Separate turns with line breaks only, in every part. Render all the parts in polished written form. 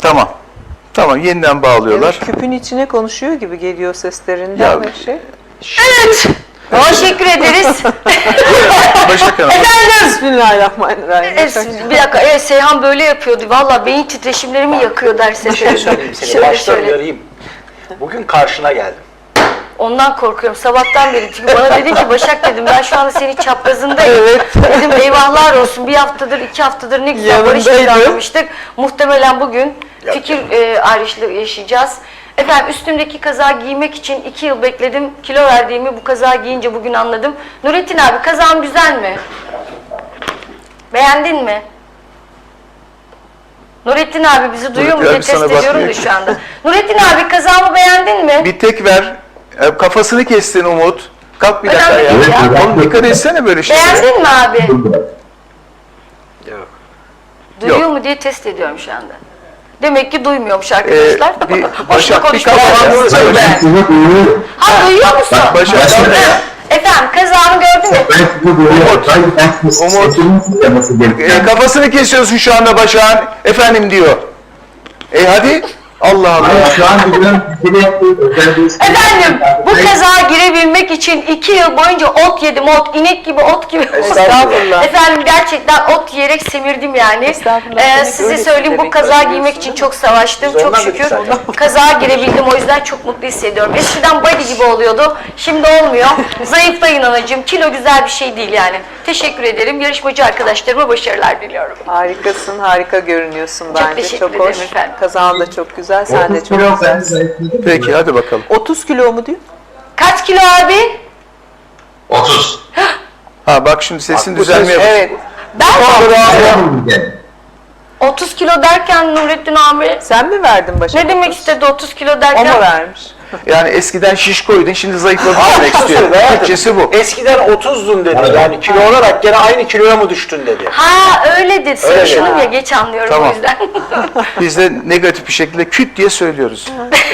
Tamam. Tamam, yeniden bağlıyorlar.
Evet, küpün içine konuşuyor gibi geliyor seslerinden
Ya,
ve şey.
Evet. Teşekkür ederiz.
Başak Hanım.
Efendim.
Bismillahirrahmanirrahim.
Bir dakika. Evet, Seyhan böyle yapıyordu. Vallahi beyin titreşimlerimi yakıyor derse.
Bir şey söyleyeyim seni. Baştan uyarayım. Bugün karşına geldim.
Ondan korkuyorum sabahtan beri. Çünkü bana dedi ki Başak dedim ben şu anda senin çaprazındayım. Dedim eyvahlar olsun bir haftadır 2 haftadır ne güzel barış planlamıştık. Muhtemelen bugün fikir ayrışlığı yaşayacağız. Efendim üstümdeki kazağı giymek için 2 yıl bekledim. Kilo verdiğimi bu kazağı giyince bugün anladım. Nurettin abi kazağım güzel mi? Beğendin mi? Nurettin abi bizi duyuyor mu diye test ediyorum da şu anda. Nurettin abi kazağımı beğendin mi?
Bir tek ver. Kafasını kestin Umut. Kalk bir dakika ya.
Önemli değil ya.
Oğlum dikkat etsene böyle şeylere.
Beğendin mi abi?
Yok.
Duyuyor
Yok.
mu diye test ediyorum şu anda. Demek ki duymuyormuş arkadaşlar.
bir
Boşuna
Başak bir
konuşma.
kafanı söyle.
Ha duyuyor musun?
Başak
Ha, efendim kazağımı gördün mü?
kafasını kesiyorsun şu anda Başak'ın. Efendim diyor. Hadi. Allah Allah.
Efendim bu kazağa girebilmek için 2 yıl boyunca ot yedim, inek gibi, ot gibi.
Estağfurullah.
Efendim gerçekten ot yiyerek semirdim yani.
Estağfurullah.
Size
Öyle
söyleyeyim bu
demek
kazağa
istiyorsun.
giymek için çok savaştım,
Biz
çok
ondan
şükür.
dedik zaten.
Kazağa girebildim o yüzden çok mutlu hissediyorum. Eskiden body gibi oluyordu, şimdi olmuyor. Zayıflayın anacığım, kilo güzel bir şey değil yani. Teşekkür ederim, yarışmacı arkadaşlarıma başarılar diliyorum.
Harikasın, harika görünüyorsun bence.
teşekkür
Çok
ederim
hoş.
efendim.
Kazağın da çok güzel, sen de çok güzelsin.
Peki hadi bakalım.
30 kilo mu diyor?
Kaç kilo abi?
30.
Ha bak şimdi sesin
Bak, bu
düzelmeye
ses-
başladı.
Evet.
Ben 30 kilo derken Nurettin abi
Sen mi verdin Başak?
ne demek
30?
istedi 30 kilo
O
derken?
mu vermiş?
Yani eskiden şişkoydun, şimdi zayıfladın demek istiyor. Türkçesi bu.
Eskiden 30'dun dedi. Yani kilo olarak gene aynı kiloya mı düştün dedi.
Ha öyle dedi. Sarışınım
dedi.
ya geç anlıyorum
Tamam.
o yüzden.
Biz de negatif bir şekilde küt diye söylüyoruz.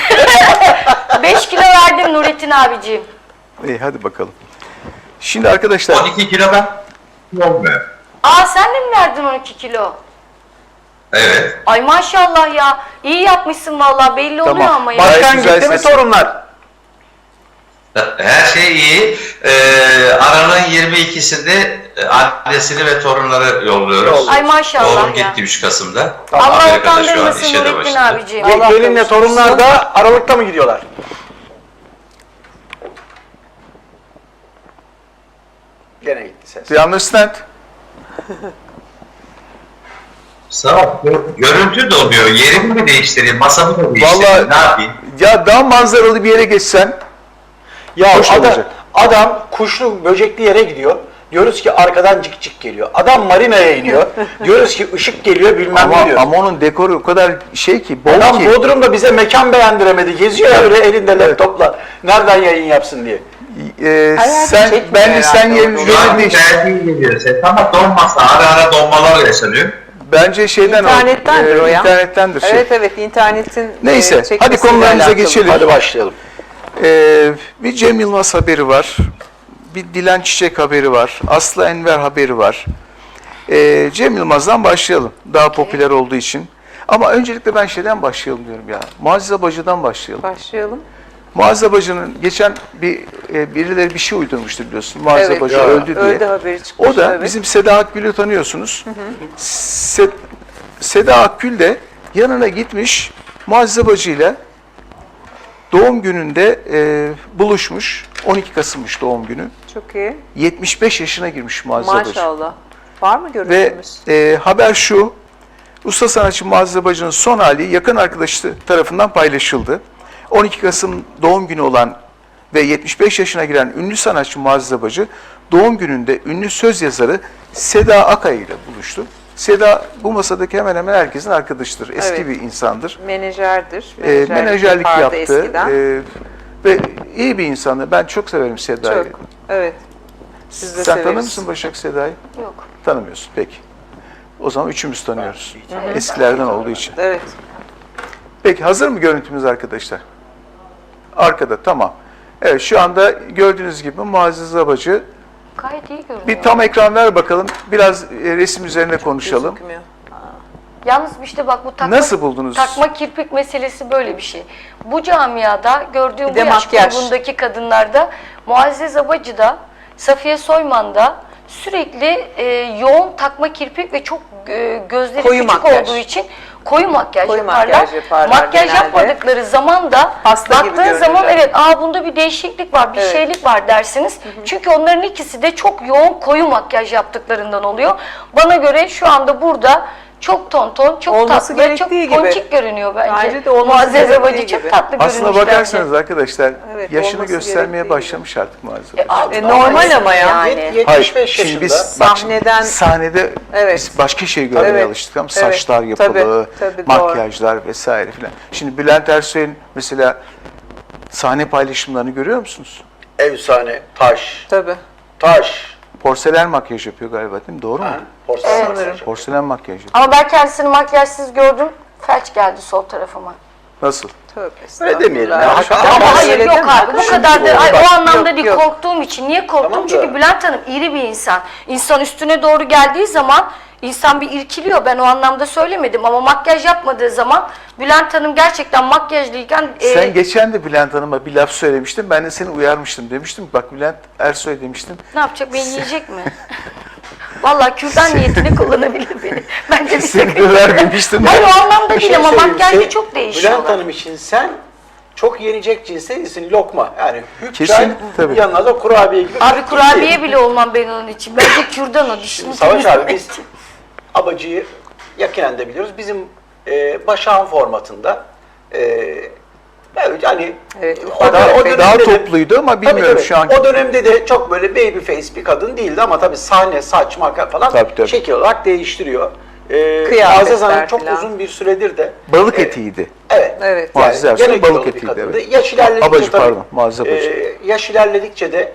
5 kilo verdim Nurettin abiciğim.
İyi hadi bakalım. Şimdi arkadaşlar
12 kilo ben olmuyor.
Aa sen de mi verdin 12 kilo?
Evet.
Ay maşallah ya. İyi yapmışsın vallahi belli oluyor
Tamam.
ama ya.
Gayet
Başkan
güzel
gitti mi
sesin.
torunlar?
Her şey iyi. Aralığın 22'sinde annesini ve torunları yolluyoruz.
Ay maşallah
Oğlum
ya.
gitti 3 Kasım'da.
Allah
Amerika'da şu an
utandırmasın
işe de
Nurettin
başladı.
abiciğim.
Allah
Gelinle
kavuştursun.
torunlar da Aralık'ta mı gidiyorlar? Gene gitti ses.
do you understand?
Sağ ol. Görüntü de olmuyor. Yerimi mi değiştireyim, masamı mı değiştireyim,
Vallahi
ne yapayım?
ya daha manzaralı bir yere geçsen
Ya
Hoş olacak.
adam kuşlu böcekli yere gidiyor. Diyoruz ki arkadan cik cik geliyor. Adam marinaya iniyor. Diyoruz ki ışık geliyor bilmem ne diyor.
ama onun dekoru o kadar şey ki, bol
Adam
ki.
Bodrum'da bize mekan beğendiremedi. Geziyor öyle elinde laptopla. Nereden yayın yapsın diye.
Hayatı
Sen
çekmiyor
ben de sen
herhalde
yerin
onu.
yerin değiş.
Tercih geliyor ses ama donmasa ara donmalar yaşanıyor.
Bence şeyden
İnternettendir o ya.
İnternettendir şey.
Evet evet internetin
Neyse, hadi
çekmesiyle
konularımıza
alakalı.
geçelim.
Hadi başlayalım.
Bir Cem Yılmaz haberi var. Bir Dilan Çiçek haberi var. Aslı Enver haberi var. Cem Yılmaz'dan başlayalım. Daha popüler olduğu için. Ama öncelikle ben şeyden başlayalım diyorum ya. Muazzez Abacı'dan başlayalım.
Başlayalım.
Muazzez Abacı'nın geçen birileri bir şey uydurmuştu biliyorsun. Muazzez
Evet,
Abacı
ya.
öldü diye.
Öldü haberi çıkmış.
O da
evet.
bizim Seda Akgül'ü tanıyorsunuz. Seda Akgül de yanına gitmiş Muazzez Abacı ile doğum gününde buluşmuş. 12 Kasım'mış doğum günü.
Çok iyi.
75 yaşına girmiş Muazzez Abacı.
Maşallah. Var mı
Ve
görüntümüz?
haber şu, usta sanatçı Muazzez Abacı'nın son hali yakın arkadaşı tarafından paylaşıldı. 12 Kasım doğum günü olan ve 75 yaşına giren ünlü sanatçı Muazzez Abacı, doğum gününde ünlü söz yazarı Seda Akay ile buluştu. Seda bu masadaki hemen hemen herkesin arkadaşıdır, eski
Evet.
bir insandır.
Menajerdir.
Menajerlik
yapardı
yaptı
eskiden.
ve iyi bir insandır. Ben çok severim Seda'yı.
Çok. Evet. Biz de
Sen tanır
severiz.
mısın Başak Seda'yı?
Yok.
Tanımıyorsun, peki. O zaman üçümüz tanıyoruz. Eskilerden olduğu için.
Evet.
Peki hazır mı görüntümüz arkadaşlar? Arkada, tamam. Evet, şu anda gördüğünüz gibi Muazzez Abacı.
Gayet iyi görünüyor.
Bir tam ekran ver bakalım. Biraz resim üzerine konuşalım.
Gözükmüyor.
Yalnız işte bak bu
Nasıl buldunuz?
takma kirpik meselesi böyle bir şey. Bu camiada gördüğüm
Bir
bu
de
yaş
makyaj.
grubundaki kadınlarda, Muazzez Abacı'da, Safiye Soyman'da sürekli yoğun takma kirpik ve çok gözleri
Koyu
küçük
makyaj.
olduğu için koyu makyaj
Koyu
yaparlar.
makyaj yaparlar
Makyaj
genelde.
yapmadıkları zaman da
Hasta gibi
baktığın zaman
görünürler.
evet bunda bir değişiklik var, bir
Evet.
şeylik var dersiniz. Çünkü onların ikisi de çok yoğun koyu makyaj yaptıklarından oluyor. Bana göre şu anda burada çok tonton, çok
Olması
tatlı ve çok
gerektiği gibi.
ponçik görünüyor bence.
Bence de olması
Muazzez
gerektiği
Abacı çok
gibi.
tatlı
Aslına
görünmüş
bakarsanız
bence.
arkadaşlar
Evet,
yaşını
olması
göstermeye
gerektiği
başlamış artık Muazzez Abacı.
Artık
normal ama ya.
yani.
75
Şimdi
yaşında.
biz bak şimdi
Sahneden-
sahnede
Evet.
biz başka şey görmeye
Evet.
alıştık ama
Evet.
saçlar yapılı,
Tabii, doğru.
makyajlar vesaire filan. Şimdi Bülent Ersoy'un mesela sahne paylaşımlarını görüyor musunuz?
Efsane, taş,
Tabii.
taş.
Porselen makyaj yapıyor galiba değil mi? Doğru mu?
Ha? Porselen
Evet.
makyaj.
Porselen makyaj yapıyor.
Ama ben kendisini makyajsız gördüm. Felç geldi sol tarafıma.
Nasıl?
Tövbe
Öyle demeyelim ya.
estağfurullah.
Hakikaten
Ama
ama
hayır
öyle
yok
deme.
abi bu
Şimdi
kadar da
doğru.
ay,
Bak,
o anlamda
yok,
değil
yok.
korktuğum için. Niye korktum?
Tamam da-
Çünkü Bülent Hanım iri bir insan. İnsan üstüne doğru geldiği zaman insan bir irkiliyor. Ben o anlamda söylemedim ama makyaj yapmadığı zaman Bülent Hanım gerçekten makyajlıyken
Sen geçen de Bülent Hanım'a bir laf söylemiştin. Ben de seni uyarmıştım. Demiştim ki, bak Bülent Ersoy demiştim.
ne yapacak? Beni yiyecek mi? Vallahi kürdan niyetine kullanabilir beni. Bence bir
Seni
sakın.
döver demiştim.
Hayır o anlamda
Bir
değil
şey
ama
söyleyeyim.
makyajda
Sen-
çok değişiyor.
Bülent Hanım için sen çok yenecek cinste değilsin, lokma. Yani hüp
Kesin,
çay,
tabii.
yanına da kurabiye gibi.
Abi kurabiye bile olmam ben onun için. Bence kürdan o dişini
Savaş abi
temizlemek
biz Abacı'yı yakinen de biliyoruz. Bizim Başak'ın formatında evet, hani
Evet,
o,
ufak
o
tefek.
Daha
dönemde de-
topluydu ama
Tabii,
bilmiyorum
tabii.
şu an.
O dönemde de çok böyle baby face bir kadın değildi ama tabii sahne, saç, makyaj falan
Tabii.
şekil olarak değiştiriyor.
Kıyafetler
Muazzez Hanım çok
falan.
uzun bir süredir de
Balık etiydi.
Evet.
Evet.
Muazzez
Yani
Ersoy
gene
balık
kilolu bir
etiydi,
kadındı.
evet.
Yaş ilerledikçe
Abacı,
tabii,
pardon, Muazzez Abacı.
yaş ilerledikçe de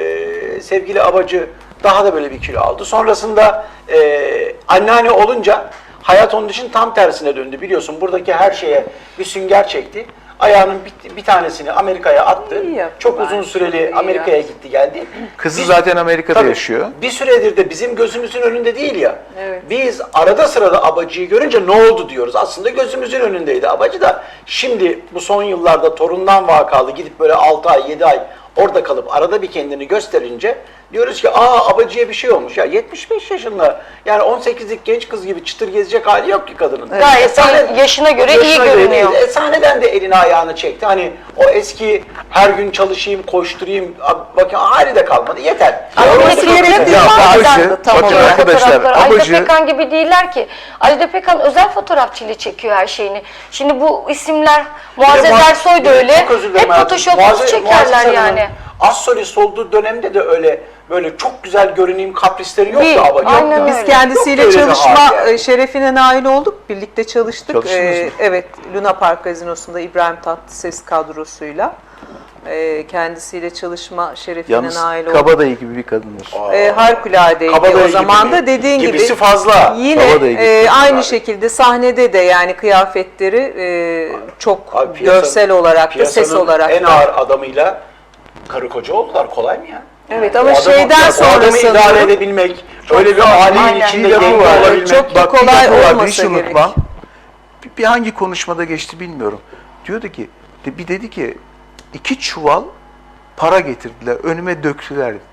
sevgili Abacı daha da böyle bir kilo aldı. Sonrasında anneanne olunca hayat onun için tam tersine döndü. Biliyorsun buradaki her şeye bir sünger çekti. Ayağının bir tanesini Amerika'ya attı.
İyi yaptı
Çok
bence,
uzun
çok
süreli
iyi
Amerika'ya
yaptı.
gitti geldi.
Kızı
Biz-
zaten Amerika'da
Tabii,
yaşıyor.
bir süredir de bizim gözümüzün önünde değil ya.
Evet.
Biz arada sırada Abacı'yı görünce ne oldu diyoruz. Aslında gözümüzün önündeydi Abacı da. Şimdi bu son yıllarda torundan vakalı gidip böyle 6 ay 7 ay orada kalıp arada bir kendini gösterince diyoruz ki Abacı'ya bir şey olmuş. Ya 75 yaşında yani 18'lik genç kız gibi çıtır gezecek hali yok ki kadının.
Gayet yaşına göre iyi görünüyor.
değil. Sahneden de elini ayağını çekti. Hani o eski her gün çalışayım, koşturayım, bakın hali de kalmadı. Yeter.
Ama
Ya,
bir de
orası-
kıyafetli
Ya
bazen
Abacı,
tam
bakın
olarak
arkadaşlar,
fotoğrafları. Ajda
Abacı
Pekkan gibi değiller ki. Ajda Pekkan özel fotoğrafçıyla çekiyor her şeyini. Şimdi bu isimler Muazzez Ersoy da öyle.
Çok özür dilerim
Hep
hayatım.
photoshop'lu çekerler
Muazzez
yani.
Hanım'ın az solist olduğu dönemde de öyle böyle çok güzel görüneyim kaprisleri yoktu
Değil,
Abacı.
aynen öyle.
Biz kendisiyle
Yok öyle bir
çalışma
hal yani.
şerefine nail olduk. Birlikte çalıştık.
Çalıştınız mı?
Evet, Luna Park Gazinosu'nda İbrahim Tatlıses kadrosuyla. Kendisiyle çalışma şerefine
yalnız
nail olduk.
Kabadayı gibi bir kadındır.
Harikuladeydi
Kabadayı
o zaman
gibi
da
mi?
dediğin gibi.
Gibisi fazla.
Yine
Kabadayı gibi.
aynı şekilde sahnede de yani kıyafetleri çok
Abi
görsel olarak da ses
piyasanın
olarak
en
da.
ağır adamıyla karı koca oldular. Kolay mı ya?
Evet
O
ama
adamı-
şeyden
o
sonra
adamı idare
sanıyorum
edebilmek, öyle bir ailenin
Aynen.
içinde
Bir lafı
denge
var.
olabilmek.
Çok
Bak, bir
kolay
lafı var,
olmasa
hiç
gerek.
unutmam. Bir hangi konuşmada geçti bilmiyorum. Diyordu ki, bir dedi ki 2 çuval para getirdiler, önüme döktüler dedi.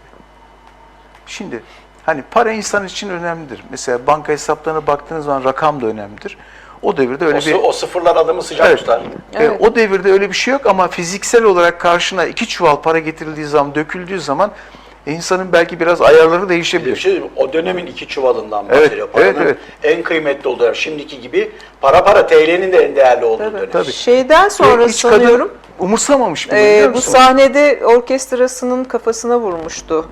Şimdi hani para insan için önemlidir. Mesela banka hesaplarına baktığınız zaman rakam da önemlidir. O devirde öyle bir...
O sıfırlar adamı sıcak
Evet.
tutar.
Evet.
O devirde öyle bir şey yok ama fiziksel olarak karşına 2 çuval para getirildiği zaman, döküldüğü zaman insanın belki biraz ayarları
Bir
değişebilir.
şey diyeyim, o dönemin 2 çuvalından
Evet,
bahsediyor. Paranın
evet.
en kıymetli olduğu dönem. Şimdiki gibi para TL'nin de en değerli olduğu dönem.
Tabii.
Şeyden sonra
Ve hiç kadın
sanıyorum
umursamamış bunu, biliyor
bu
musun?
sahnede orkestrasının kafasına vurmuştu.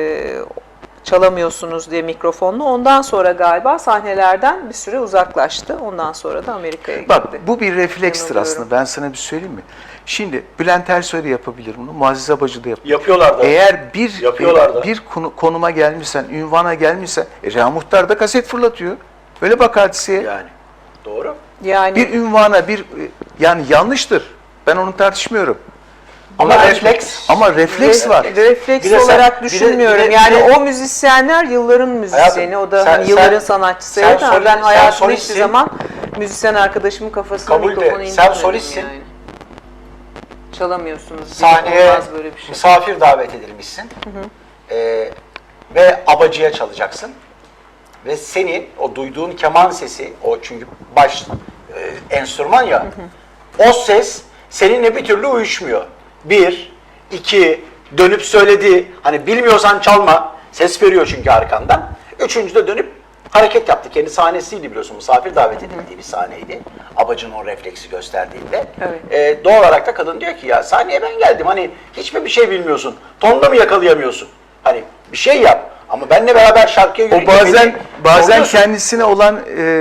Çalamıyorsunuz diye mikrofonla. Ondan sonra galiba sahnelerden bir süre uzaklaştı. Ondan sonra da Amerika'ya gitti.
Bak bu bir reflekstir
Yanılıyorum.
aslında. Ben sana bir söyleyeyim mi? Şimdi Bülent Ersoy da yapabilir bunu. Muazzez Abacı da yapabilir.
Yapıyorlar da.
Eğer
Yapıyorlar da.
bir konuma gelmişsen, ünvana gelmişsen, Reha Muhtar da kaset fırlatıyor. Öyle bak hadiseye.
Yani. Doğru.
Yani
Bir ünvana, yani yanlıştır. Ben onu tartışmıyorum.
Ama refleks.
Ama refleks var.
Refleks
Bir de sen-
olarak
bir de-
düşünmüyorum.
bir de-
Yani
bir de-
o müzisyenler yılların müzisyeni. O da
sen-
hani yılların
sen-
sanatçısı.
sen
Evet, ama
solist-
ben
sen
hayatımda hiçbir
solistsin.
zaman müzisyen arkadaşımın kafasına
Kabul de,
mikrofonu
sen
indirmedim
solistsin.
yani. Çalamıyorsunuz.
Sahneye
Olmaz böyle bir şey.
misafir davet edilmişsin. Ve abacıya çalacaksın. Ve senin o duyduğun keman sesi, o çünkü baş enstrüman ya, o ses seninle bir türlü uyuşmuyor. Bir, iki, dönüp söyledi, hani bilmiyorsan çalma, ses veriyor çünkü arkandan. Üçüncüde dönüp hareket yaptı. Kendi sahnesiydi biliyorsun, misafir davet edildiği bir sahneydi. Abacın o refleksi gösterdiğinde.
Evet.
Doğal olarak da kadın diyor ki ya sahneye ben geldim, hani hiç mi bir şey bilmiyorsun, tonda mı yakalayamıyorsun? Hani bir şey yap. Ama benle beraber şarkıya
O
yürüyünce
bazen
zorluyorsun.
kendisine olan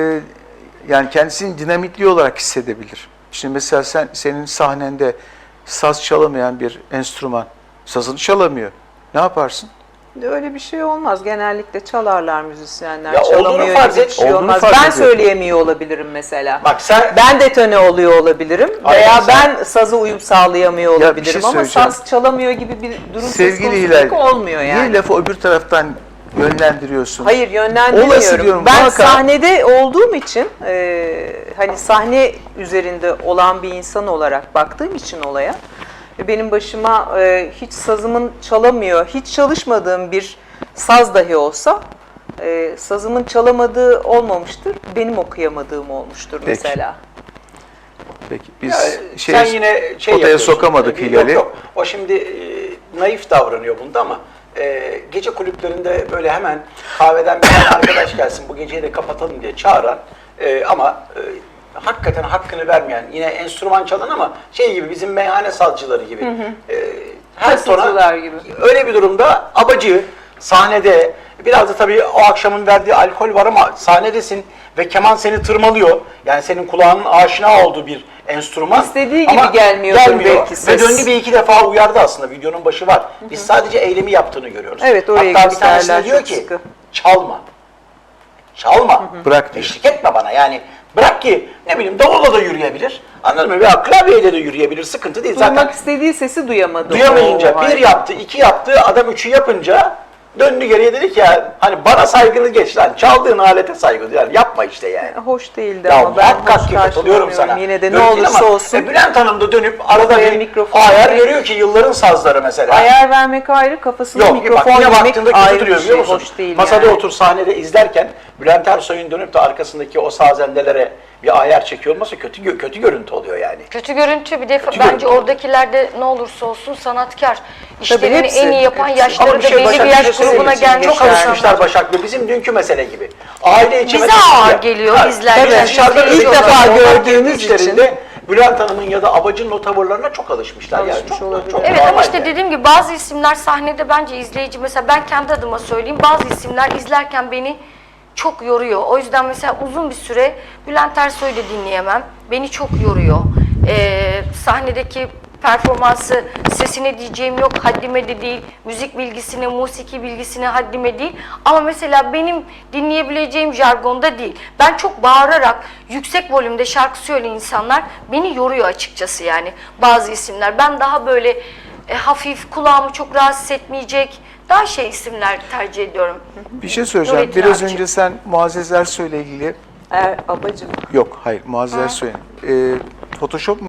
yani kendisini dinamitli olarak hissedebilir. Şimdi mesela senin sahnende saz çalamayan bir enstrüman sazını çalamıyor. Ne yaparsın?
Öyle bir şey olmaz. Genellikle çalarlar müzisyenler.
Ya olduğunu
Çalamıyor
farz
gibi
et.
bir şey
Olduğunu
olmaz.
farz
Ben
ediyorum.
söyleyemiyor olabilirim mesela.
Bak sen
Ben detone oluyor olabilirim
Aynen,
veya
sen-
ben saza uyum sağlayamıyor
Ya bir
olabilirim
şey
ama
söyleyeceğim.
saz çalamıyor gibi bir durum söz
Sevgili
konusu
Hilal,
pek olmuyor yani.
niye lafı öbür taraftan yönlendiriyorsun?
Hayır,
Olası
yönlendirmiyorum.
diyorum,
Ben
muhakkak.
sahnede olduğum için hani sahne üzerinde olan bir insan olarak baktığım için olaya ve benim başıma hiç sazımın çalamıyor, hiç çalışmadığım bir saz dahi olsa sazımın çalamadığı olmamıştır, benim okuyamadığım olmuştur
Peki.
mesela.
Peki biz
sen yine şey
potaya
yapıyorsun.
sokamadık
Yok,
Hilal'i.
yok. O şimdi naif davranıyor bunda ama gece kulüplerinde böyle hemen kahveden bir tane arkadaş gelsin bu geceyi de kapatalım diye çağıran ama hakikaten hakkını vermeyen, yine enstrüman çalan ama şey gibi, bizim meyhane sazcıları gibi. Her tona
Kasıtçılar gibi.
öyle bir durumda abacı sahnede, biraz da tabii o akşamın verdiği alkol var ama sahnedesin ve keman seni tırmalıyor. Yani senin kulağının aşina olduğu bir enstrüman.
İstediği
Ama
gibi gelmiyordur belki
Ve
ses.
döndü bir iki defa uyardı aslında, videonun başı var. Biz sadece eylemi yaptığını görüyoruz.
Evet, orayı
Hatta bir tanesine
gösterirler
diyor
çok
ki
sıkı.
çalma. Çalma.
Bırak diyor.
Eşlik etme bana yani. Bırak ki ne bileyim davulla da yürüyebilir. Anladın mı? Veya klavyeyle de yürüyebilir. Sıkıntı değil. Zaten
Duymak istediği sesi duyamadı.
duyamayınca
O
bir
halde.
yaptı, iki yaptı, adam üçü yapınca döndü geriye dedi ki ya hani bana saygını geç lan, çaldığın alete saygı duy. Yani yapma işte yani.
Hoş değildi
Ya
ama ben
muhakkak
hoş
ki katılıyorum sana.
karşılamıyorum. Yine de ne
Öyle değil
olursa
ama,
olsun
Bülent Hanım da dönüp arada
kafaya
bir
mikrofon
ayar
verip-
görüyor ki yılların sazları mesela.
ayar vermek ayrı, kafasına
Yok
mikrofon
bak yine
vermek
baktığında kötü
ayrı bir
duruyor
şey.
biliyor musun?
Hoş değil
Masada
yani.
otur sahnede izlerken Bülent Ersoy'un dönüp de arkasındaki o sazendelere bir ayar çekiyor olması kötü görüntü oluyor yani.
Kötü görüntü, bir de
Kötü
bence
görüntü.
oradakilerde ne olursa olsun sanatkar. İşlerini
hepsi,
en iyi yapan,
hepsi.
yaşları
Ama
da belli
Başak,
bir yaş
şey söyleyeyim
grubuna
mi?
gelmiş
Çok alışmışlar
insanlar.
Başak'la, bizim dünkü mesele gibi. Aile içi
Bize
mesele
ağır
ya.
geliyor
Ha,
izlerken.
tabii, dışarıda
İzleyici
ilk
olarak.
defa
Gördüğümüz
gördüğümüz
için.
işlerinde Bülent Hanım'ın ya da Abacı'nın o tavırlarına çok alışmışlar. Yani
Alışmış
çok,
olabilir.
çok
Evet ama
normal
işte
yani.
dediğim gibi bazı isimler sahnede bence izleyici, mesela ben kendi adıma söyleyeyim, bazı isimler izlerken beni çok yoruyor. O yüzden mesela uzun bir süre Bülent Ersoy'u da dinleyemem. Beni çok yoruyor. Sahnedeki performansı, sesine diyeceğim yok, haddime de değil. Müzik bilgisine, musiki bilgisine haddime değil. Ama mesela benim dinleyebileceğim jargonda değil. Ben çok bağırarak, yüksek volümde şarkı söyleyen insanlar beni yoruyor açıkçası yani. Bazı isimler. Ben daha böyle hafif, kulağımı çok rahatsız etmeyecek, daha şey isimler tercih ediyorum.
Bir şey söyleyeceğim.
Nurettin
Biraz
abicim.
önce sen Muazzez Ersoy'la ilgili
Abacım.
yok hayır Muazzez Ersoy'un Photoshop